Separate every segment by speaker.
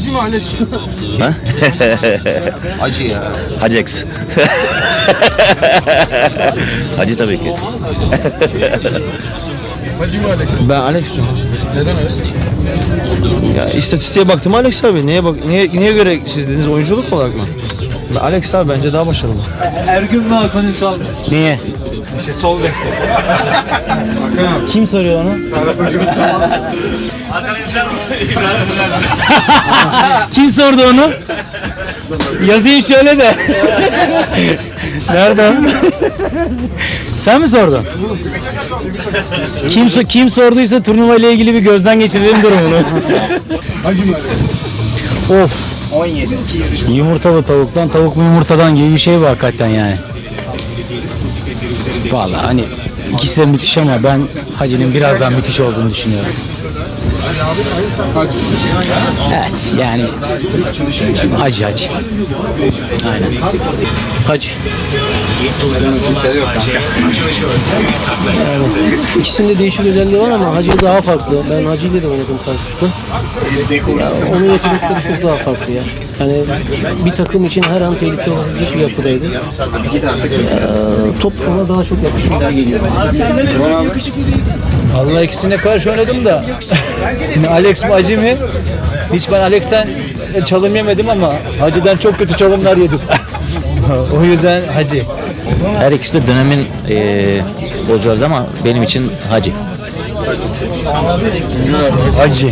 Speaker 1: Hacı mı Alex?
Speaker 2: Ha?
Speaker 1: Hacı ya.
Speaker 2: Hacex. Hacı tabii ki.
Speaker 1: Hacı mı Alex?
Speaker 3: Ben Alex diyorum.
Speaker 1: Neden Alex?
Speaker 3: Ya istatistiğe baktım Alex abi. Niye göre siz dediniz oyunculuk olarak mı? Alex abi bence daha başarılı.
Speaker 4: Ergün mü Hakan Ünsal mı?
Speaker 3: Niye?
Speaker 1: Sol bek.
Speaker 4: Kim soruyor onu? Kim sordu onu? Yazayım şöyle de. Nerede? Sen mi sordun? Kim sorduysa turnuva ile ilgili bir gözden geçirelim durumunu.
Speaker 1: Hacı mı Alex?
Speaker 4: Of. 17. Yumurtalı tavuktan tavuk mu yumurtadan gibi bir şey bu hakikaten yani. Vallahi hani ikisi de müthiş ama ben Hacı'nın biraz daha müthiş olduğunu düşünüyorum.
Speaker 1: Hacı.
Speaker 4: Evet yani Hacı. Aynen. Hacı.
Speaker 5: Evet. İkisinde değişik özelliği var ama Hacı daha farklı. Ben Hacı ile de oynadım karşılıklı. Ya, onun yetenekleri çok daha farklı ya. Yani bir takım için her an tehlike olabilecek bir yapıdaydı. Top ona daha çok yakışıyor.
Speaker 4: Allah ikisine karşı oynadım da Alex mi Hacı mı? Hiç ben Alex'ten çalım yemedim ama Hacı'dan çok kötü çalımlar yedim. O yüzden Hacı.
Speaker 2: Her ikisi de dönemin futbolcuları ama benim için Hacı.
Speaker 3: Hacı.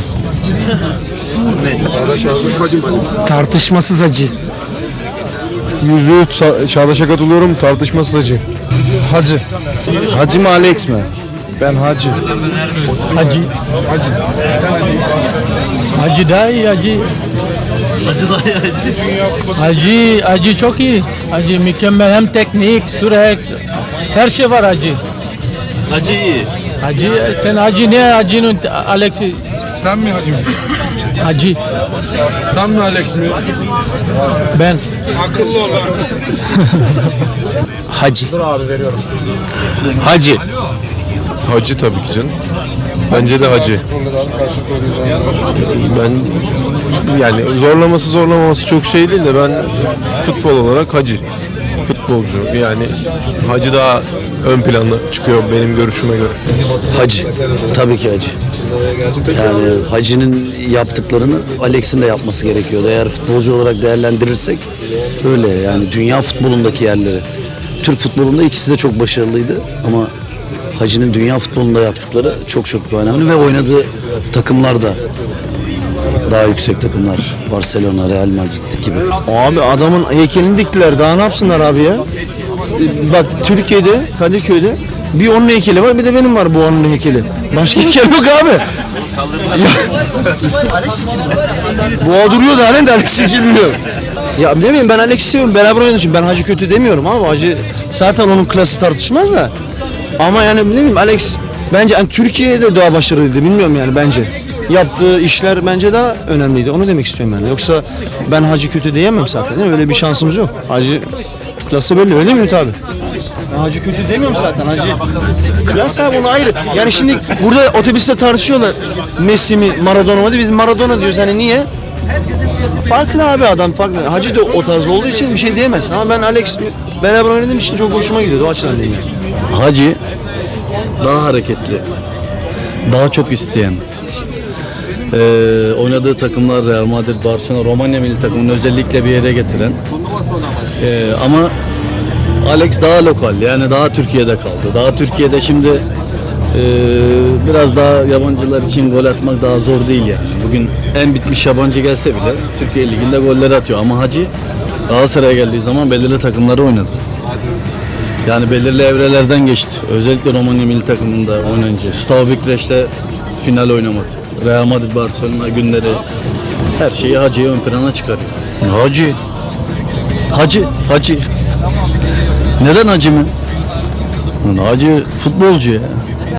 Speaker 1: Çağdaş abi Hacı mı Alex?
Speaker 3: Tartışmasız Hacı.
Speaker 1: %100 Çağdaş'a katılıyorum. Tartışmasız Hacı.
Speaker 3: Hacı. Hacı mı Alex mi? Ben Hacı.
Speaker 4: Hacı.
Speaker 1: Hacı. Neden Hacı?
Speaker 4: Hacı daha iyi Hacı. Hacı çok iyi. Hacı mükemmel hem teknik, sürat, her şey var Hacı.
Speaker 6: Hacı iyi.
Speaker 4: Hacı sen Hacı ne Hacı'nın Alex'i
Speaker 1: Sen mi Hacı mı?
Speaker 4: Hacı
Speaker 1: Sen mi Alex mi?
Speaker 4: ben.
Speaker 1: Akıllı ol.
Speaker 2: Hacı. Hacı.
Speaker 7: Hacı tabii ki canım. Bence de Hacı. Ben yani zorlamaması çok şey değil de ben futbol olarak Hacı. Futbolcu yani Hacı daha ön planda çıkıyor benim görüşüme göre.
Speaker 8: Hacı. Tabii ki Hacı. Yani Hacı'nın yaptıklarını Alex'in de yapması gerekiyordu. Eğer futbolcu olarak değerlendirirsek öyle yani dünya futbolundaki yerleri. Türk futbolunda ikisi de çok başarılıydı ama Hacı'nın dünya futbolunda yaptıkları çok önemli ve oynadığı takımlar da daha yüksek takımlar. Barcelona, Real Madrid gibi.
Speaker 3: Abi adamın heykelini diktiler. Daha ne yapsınlar abi ya? Bak Türkiye'de, Kadıköy'de bir onun heykeli var, bir de benim var bu onun heykeli. Başka heykel yok abi. Ya. Boğa duruyor da halen de Alex çekilmiyor. Ya ne bileyim ben Alex'i seviyorum. Beraber oynadığı için ben Hacı kötü demiyorum ama Hacı zaten onun klası tartışmaz da. Ama yani ne bileyim Alex bence yani Türkiye'de daha başarılıydı bilmiyorum yani bence. Yaptığı işler bence daha önemliydi. Onu demek istiyorum yani. Yoksa ben Hacı kötü diyemem zaten. Değil mi? Öyle bir şansımız yok. Hacı klası belli öyle mi Ümit abi? Ben Hacı kötü demiyorum zaten. Hacı klas abi onu ayrı. Yani şimdi burada otobüste tartışıyorlar. Messi mi Maradona mı diye. Biz Maradona diyoruz. Hani niye? Farklı abi adam farklı. Hacı da o tarz olduğu için bir şey diyemezsin. Ama ben Alex beraber oynadığım için çok hoşuma gidiyordu. O açıdan değil yani.
Speaker 6: Hacı daha hareketli, daha çok isteyen. Oynadığı takımlar Real Madrid, Barcelona, Romanya milli takımını özellikle bir yere getiren. Ama Alex daha lokal yani daha Türkiye'de kaldı. Daha Türkiye'de şimdi biraz daha yabancılar için gol atmak daha zor değil yani. Bugün en bitmiş yabancı gelse bile Türkiye Ligi'nde golleri atıyor ama Hacı Galatasaray'a geldiği zaman belirli takımları oynadı. Yani belirli evrelerden geçti. Özellikle Romanya milli takımında oynayınca. Steaua Bükreş'te final oynaması. Real Madrid Barcelona günleri her şeyi Hacı'yı ön plana çıkarıyor. Hacı. Neden Hacı mı? Hacı futbolcu ya.